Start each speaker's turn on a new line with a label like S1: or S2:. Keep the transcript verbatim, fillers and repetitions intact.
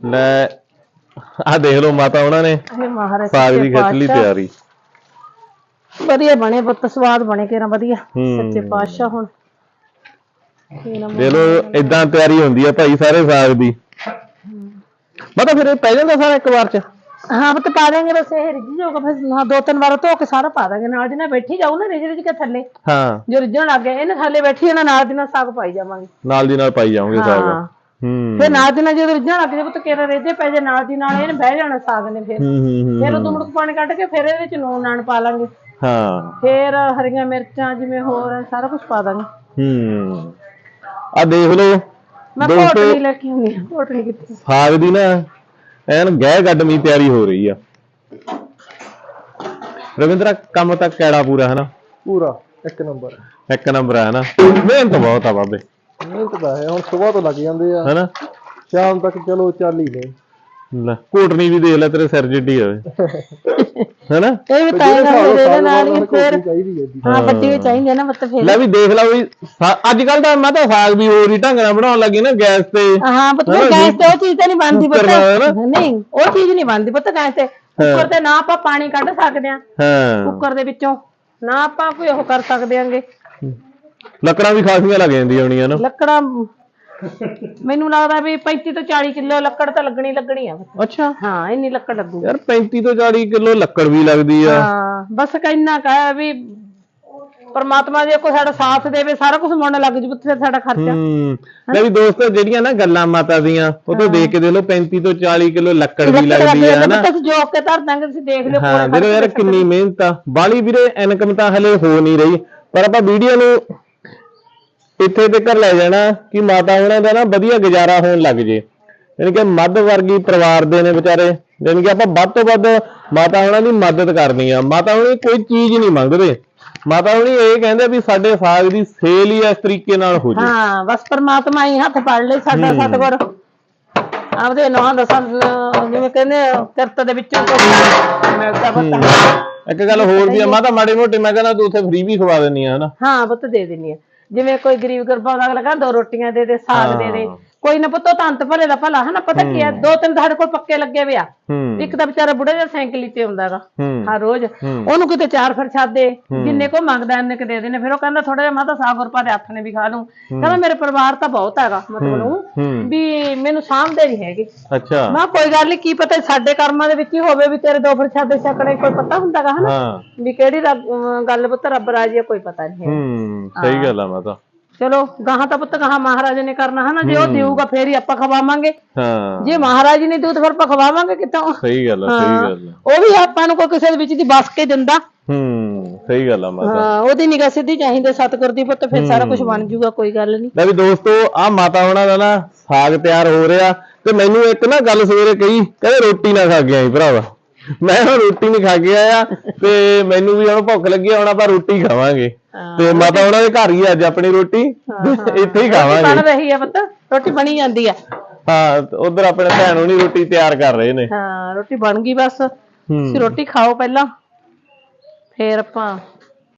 S1: ਲੈ ਆ ਦੇਖ ਲਓ ਮਾਤਾ ਉਹਨਾਂ ਨੇ ਸਾਗ ਦੀ ਖਿੱਚ ਲਈ ਤਿਆਰੀ।
S2: ਵਧੀਆ ਬਣੇ ਪੁੱਤ, ਸਵਾਦ ਬਣੇ ਕਿਹੜਾ ਵਧੀਆ ਸੱਚੇ ਪਾਤਸ਼ਾਹ। ਹੁਣ
S1: ਦੇ ਲੋ ਇਦਾਂ ਤਿਆਰੀ ਹੁੰਦੀ ਆ ਭਾਈ ਸਾਰੇ ਸਾਗ ਦੀ। ਮਾਤਾ ਫਿਰ ਇਹ ਪੈ ਜਾਂਦਾ ਸਾਰਾ ਇੱਕ ਵਾਰ ਚ?
S2: ਹਾਂ ਪੁੱਤ ਪਾ ਦੇਂਗੇ, ਬਸ ਇਹ ਰਿੱਝ ਜਾਊਗਾ ਫਿਰ। ਹਾਂ ਦੋ ਤਿੰਨ ਵਾਰ ਧੋ ਕੇ ਸਾਰਾ ਪਾ ਦਾਂਗੇ, ਨਾਲ ਦੀ ਨਾਲ ਬੈਠੀ ਜਾਊ ਨਾ ਰਿੱਝ ਰਿੱਝ ਕੇ ਥੱਲੇ।
S1: ਹਾਂ
S2: ਜੋ ਰਿੱਝਣ ਲੱਗ ਗਿਆ ਇਹਨੇ ਥੱਲੇ ਬੈਠੀ ਨਾ, ਨਾਲ ਦੀ ਨਾਲ ਸਾਗ ਪਾਈ ਜਾਵਾਂਗੇ, ਨਾਲ
S1: ਦੀ ਨਾਲ ਪਾਈ ਜਾਵਾਂਗੇ ਸਾਗ। ਹੂੰ
S2: ਫਿਰ ਨਾਲ ਦੀ ਨਾਲ ਜਦੋਂ ਰਿੱਝਣ ਲੱਗ ਜਾਏ ਪੁੱਤ ਕਿਹੜਾ ਰੇਜੇ ਪੈ ਜਾਏ, ਨਾਲ ਦੀ ਨਾਲ ਇਹਨੇ ਬਹਿ ਜਾਣਾ ਸਾਗ ਨੇ। ਫਿਰ ਫਿਰ ਉਦੋਂ ਮੁੜਕ ਪਾਣੀ ਕੱਢ ਕੇ ਫਿਰ ਇਹਦੇ ਵਿੱਚ ਨੂਨ ਨਾਨ ਪਾ ਲਾਂਗੇ।
S1: ਹਾਂ
S2: ਫਿਰ ਹਰੀਆਂ ਮਿਰਚਾਂ ਜਿਵੇਂ ਹੋਰ ਸਾਰਾ ਕੁਝ ਪਾ ਦਾਂਗੇ।
S1: ਹੂੰ ਆ ਦੇਖ ਲਓ
S2: ਮੈਂ ਕੋਟਣੀ ਲੈ ਕੇ ਆਉਣੀ ਆ, ਕੋਟਣੀ ਕਿੱਥੇ?
S1: ਸਾਗ ਦੀ ਨਾ ਐਨ ਗਹਿ ਗੱਡਮੀ ਤਿਆਰੀ ਹੋ ਰਹੀ ਆ। ਰਵਿੰਦਰਾ ਕੰਮ ਤਾਂ ਕਿਹੜਾ ਪੂਰਾ ਹੈ ਨਾ?
S3: ਪੂਰਾ ਇੱਕ ਨੰਬਰ,
S1: ਇੱਕ ਨੰਬਰ ਹੈ ਨਾ। ਮਿਹਨਤ ਬਹੁਤ ਆ ਬਾਬੇ।
S3: ਮਿਹਨਤ ਤਾਂ ਹੈ, ਹੁਣ ਸਵੇਰ ਤੋਂ ਲੱਗ ਜਾਂਦੇ ਆ
S1: ਹੈਨਾ,
S3: ਸ਼ਾਮ ਤੱਕ ਚਲੋ ਚੱਲ ਹੀ ਨੇ।
S1: ਕੋਟਣੀ ਵੀ ਦੇਖ ਲੈ ਤੇਰੇ ਸਿਰ ਜਿੱਡੀ ਹੋਵੇ ਹੈਨਾ।
S2: ਇਹ ਵੀ ਤਾਂ ਇਹਦੇ ਨਾਲ ਹੀ ਫਿਰ ਹਾਂ ਵੱਡੀ ਵੀ ਚਾਹੀਦੀ ਹੈ ਨਾ ਮਤਲਬ। ਫਿਰ
S1: ਲੈ ਵੀ ਦੇਖ ਲਾ ਵੀ ਅੱਜ ਕੱਲ ਤਾਂ ਮੈਂ ਤਾਂ ਸਾਗ ਵੀ ਹੋਰ ਹੀ ਢੰਗ ਨਾਲ ਬਣਾਉਣ ਲੱਗੀ ਨਾ ਗੈਸ ਤੇ।
S2: ਹਾਂ ਪੁੱਤ ਗੈਸ ਤੇ ਉਹ ਚੀਜ਼ ਤਾਂ ਨਹੀਂ ਬਣਦੀ ਪੁੱਤ, ਨਹੀਂ ਉਹ ਚੀਜ਼ ਨਹੀਂ ਬਣਦੀ ਪੁੱਤ ਗੈਸ ਤੇ। ਕੁੱਕਰ ਤੇ ਨਾ ਆਪਾਂ ਪਾਣੀ ਕੱਢ ਸਕਦੇ ਆ ਕੁੱਕਰ ਦੇ ਵਿੱਚੋਂ, ਨਾ ਆਪਾਂ ਕੋਈ ਉਹ ਕਰ ਸਕਦੇ ਆਂਗੇ।
S1: ਲੱਕੜਾਂ ਵੀ ਖਾਸੀਆਂ ਲੱਗ ਜਾਂਦੀਆਂ ਹੋਣੀਆਂ ਨਾ।
S2: ਲੱਕੜਾਂ ਮੈਨੂੰ ਲੱਗਦਾ ਵੀ ਪੈਂਤੀ ਤੋਂ ਚਾਲੀ ਕਿਲੋ ਲੱਕੜ ਤਾਂ ਲੱਗਣੀ ਲੱਗਣੀ ਆ।
S1: ਅੱਛਾ
S2: ਹਾਂ ਇੰਨੀ ਲੱਕੜ ਲੱਗੂ
S1: ਯਾਰ, ਪੈਂਤੀ ਤੋਂ ਚਾਲੀ ਕਿਲੋ ਲੱਕੜ ਵੀ ਲੱਗਦੀ ਆ।
S2: ਹਾਂ ਬਸ ਇੰਨਾ ਕਾ ਵੀ ਪਰਮਾਤਮਾ ਜੇ ਕੋਈ ਸਾਡਾ ਸਾਥ ਦੇਵੇ ਸਾਰਾ ਕੁਝ ਮੁੜਨ ਲੱਗ ਜੂ ਫਿਰ ਸਾਡਾ ਖਰਚਾ।
S1: ਹੂੰ ਲੈ ਵੀ ਦੋਸਤੋ ਜਿਹੜੀਆਂ ਨਾ ਗੱਲਾਂ ਮਾਤਾ ਦੀਆਂ ਉਹ ਤੋਂ ਦੇਖ ਕੇ ਦੇਖ ਲਓ ਪੈਂਤੀ ਤੋਂ ਚਾਲੀ ਕਿਲੋ ਲੱਕੜ ਵੀ ਲੱਗਦੀ ਆ ਨਾ।
S2: ਤੁਸੀਂ ਜੋਕ ਕੇ ਧਰ ਦਾਂਗੇ, ਤੁਸੀਂ ਦੇਖ ਲਿਓ।
S1: ਹਾਂ ਦੇਖੋ ਯਾਰ ਕਿੰਨੀ ਮਿਹਨਤ ਆ। ਬਾਲੀ ਵੀਰੇ ਇਨਕਮ ਤਾਂ ਹਲੇ ਹੋ ਨਹੀਂ ਰਹੀ, ਪਰ ਆਪਾਂ ਵੀਡੀਓ ਨੂੰ ਇੱਥੇ ਤੱਕ ਲੈ ਜਾਣਾ ਕਿ ਮਾਤਾ ਉਹਨਾਂ ਦਾ ਨਾ ਵਧੀਆ ਗੁਜ਼ਾਰਾ ਹੋਣ ਲੱਗ ਜੇ। ਯਾਨੀ ਕਿ ਮੱਧ ਵਰਗੀ ਪਰਿਵਾਰ ਦੇ ਨੇ ਵਿਚਾਰੇ, ਯਾਨੀ ਕਿ ਆਪਾਂ ਵੱਧ ਤੋਂ ਵੱਧ ਮਾਤਾ ਉਹਨਾਂ ਦੀ ਮਦਦ ਕਰਨੀ ਆ। ਮਾਤਾ ਹੁਣੀ ਕੋਈ ਚੀਜ਼ ਨਹੀਂ ਮੰਗਦੇ, ਮਾਤਾ ਹੁਣੀ ਇਹ ਕਹਿੰਦੇ ਵੀ ਸਾਡੇ ਸਾਗ ਦੀ ਸੇਲ ਹੀ ਇਸ ਤਰੀਕੇ ਨਾਲ ਹੋ ਜੇ। ਹਾਂ
S2: ਬਸ ਪਰਮਾਤਮਾ ਹੀ ਹੱਥ ਫੜ ਲੈ ਸਾਡਾ ਸਤਿਗੁਰ ਆਪਦੇ ਨਾਂ ਦਸਾਂ ਜਿਵੇਂ ਕਹਿੰਦੇ ਕਿਰਤ ਦੇ ਵਿੱਚੋਂ ਮਿਲਦਾ ਪਤਾ।
S1: ਇੱਕ ਗੱਲ ਹੋਰ ਵੀ ਆ ਮਾਤਾ, ਮਾੜੇ ਮੋਟੇ ਮੈਂ ਕਹਿੰਦਾ ਤੂੰ ਉੱਥੇ ਫ੍ਰੀ ਵੀ ਖਵਾ ਦਿੰਦੀ ਆ ਹਨਾ।
S2: ਹਾਂ ਪੁੱਤ ਦੇ ਦਿੰਦੀ ਆ, ਜਿਵੇਂ ਕੋਈ ਗਰੀਬ ਗੁਰਬਾ ਦਾ ਅਗਲਾ ਕਹਿੰਦਾ ਦੋ ਰੋਟੀਆਂ ਦੇ ਦੇ, ਸਾਗ ਦੇ ਦੇ, ਕੋਈ ਨਾ ਪੁੱਤੋ ਤੰਤ ਭਲੇ ਦਾ ਭਲਾ ਹਨਾ। ਪਤਾ ਕੀ ਹੈ, ਦੋ ਤਿੰਨ ਸਾਡੇ ਕੋਲ ਪੱਕੇ ਲੱਗੇ ਵੇ ਆ। ਇੱਕ ਤਾਂ ਵਿਚਾਰਾ ਬੁੜਾ ਜਿਹਾ ਸਾਈਕਲ ਤੇ ਆਉਂਦਾ ਗਾ ਹਰ ਰੋਜ਼, ਉਹਨੂੰ ਕਿਤੇ ਚਾਰ ਪ੍ਰਸ਼ਾਦੇ ਜਿੰਨੇ ਕੋ ਮੰਗਦਾ ਇੰਨੇ ਕੁ ਦੇ ਦੇਣੇ। ਫਿਰ ਉਹ ਕਹਿੰਦਾ ਥੋੜਾ ਜਿਹਾ ਮਾਤਾ ਸਾਗ ਗੁਰਪਾ ਦੇ ਹੱਥ ਨੇ ਵੀ ਖਾ ਲੂੰ। ਕਹਿੰਦਾ ਮੇਰੇ ਪਰਿਵਾਰ ਤਾਂ ਬਹੁਤ ਹੈਗਾ, ਮਤਲਬ ਵੀ ਮੈਨੂੰ ਸਾਂਭਦੇ ਨਹੀਂ ਹੈਗੇ।
S1: ਅੱਛਾ
S2: ਮੈਂ ਕੋਈ ਗੱਲ ਨੀ, ਕੀ ਪਤਾ ਸਾਡੇ ਕਰਮਾਂ ਦੇ ਵਿੱਚ ਹੀ ਹੋਵੇ ਵੀ ਤੇਰੇ ਦੋ ਪ੍ਰਸ਼ਾਦੇ ਛਕਣੇ, ਕੋਈ ਪਤਾ ਹੁੰਦਾ ਗਾ ਹਨਾ ਵੀ ਕਿਹੜੀ ਗੱਲ ਪੁੱਤ ਰੱਬ ਰਾਜੀ ਆ, ਕੋਈ ਪਤਾ ਨਹੀਂ ਹੈ।
S1: ਸਹੀ ਗੱਲ ਆ ਮਾਤਾ।
S2: ਚਲੋ ਗਾਹਾਂ ਤਾਂ ਪੁੱਤ ਗਾਹਾਂ ਮਹਾਰਾਜ ਨੇ ਕਰਨਾ ਹਨਾ, ਜੇ ਉਹ ਦੇਊਗਾ ਫੇਰ ਹੀ ਆਪਾਂ ਖਵਾਵਾਂਗੇ।
S1: ਹਾਂ
S2: ਜੇ ਮਹਾਰਾਜ ਨੇ ਦੂਤ ਫਿਰ ਆਪਾਂ ਖਵਾਵਾਂਗੇ ਕਿੱਥੋਂ?
S1: ਸਹੀ ਗੱਲ ਆ, ਸਹੀ ਗੱਲ ਆ।
S2: ਉਹ ਵੀ ਆਪਾਂ ਨੂੰ ਕੋਈ ਕਿਸੇ ਦੇ ਵਿੱਚ ਦੀ ਬਸ ਕੇ ਦਿੰਦਾ।
S1: ਹੂੰ ਸਹੀ ਗੱਲ ਆ ਮਾਤਾ।
S2: ਹਾਂ ਉਹਦੀ ਨਿਗਾਹ ਸਿੱਧੀ ਚਾਹੀਦੀ ਸਤਿਗੁਰ ਦੀ ਪੁੱਤ, ਫਿਰ ਸਾਰਾ ਕੁਝ ਬਣ ਜਾਊਗਾ, ਕੋਈ ਗੱਲ ਨਹੀਂ।
S1: ਲੈ ਵੀ ਦੋਸਤੋ ਆ ਮਾਤਾ ਉਹਨਾਂ ਦਾ ਨਾ ਸਾਗ ਤਿਆਰ ਹੋ ਰਿਹਾ, ਤੇ ਮੈਨੂੰ ਇੱਕ ਨਾ ਗੱਲ ਸਵੇਰੇ ਕਹੀ, ਕਹਿੰਦੇ ਰੋਟੀ ਨਾ ਖਾ ਕੇ ਆਈ ਭਰਾਵਾ। ਮੈਂ ਹੁਣ ਰੋਟੀ ਨਹੀਂ ਖਾ ਕੇ ਆਇਆ ਤੇ ਮੈਨੂੰ ਵੀ ਹੁਣ ਭੁੱਖ ਲੱਗੀ, ਹੁਣ ਆਪਾਂ ਰੋਟੀ ਖਾਵਾਂਗੇ। ਤੇ ਮਾਤਾ ਉਹਨਾਂ ਦੇ ਘਰ ਹੀ ਅੱਜ ਆਪਣੀ ਰੋਟੀ ਇੱਥੇ ਹੀ ਖਾਵਾਂਗੇ।
S2: ਬਣ ਰਹੀ ਆ ਪੁੱਤ, ਰੋਟੀ ਬਣੀ ਜਾਂਦੀ ਆ।
S1: ਹਾਂ ਉਧਰ ਆਪਣੇ ਭੈਣ ਹੋਣੀ ਰੋਟੀ ਤਿਆਰ ਕਰ ਰਹੇ ਨੇ।
S2: ਹਾਂ ਰੋਟੀ ਬਣ ਗਈ, ਬਸ ਤੁਸੀਂ ਰੋਟੀ ਖਾਓ ਪਹਿਲਾਂ, ਫੇਰ ਆਪਾਂ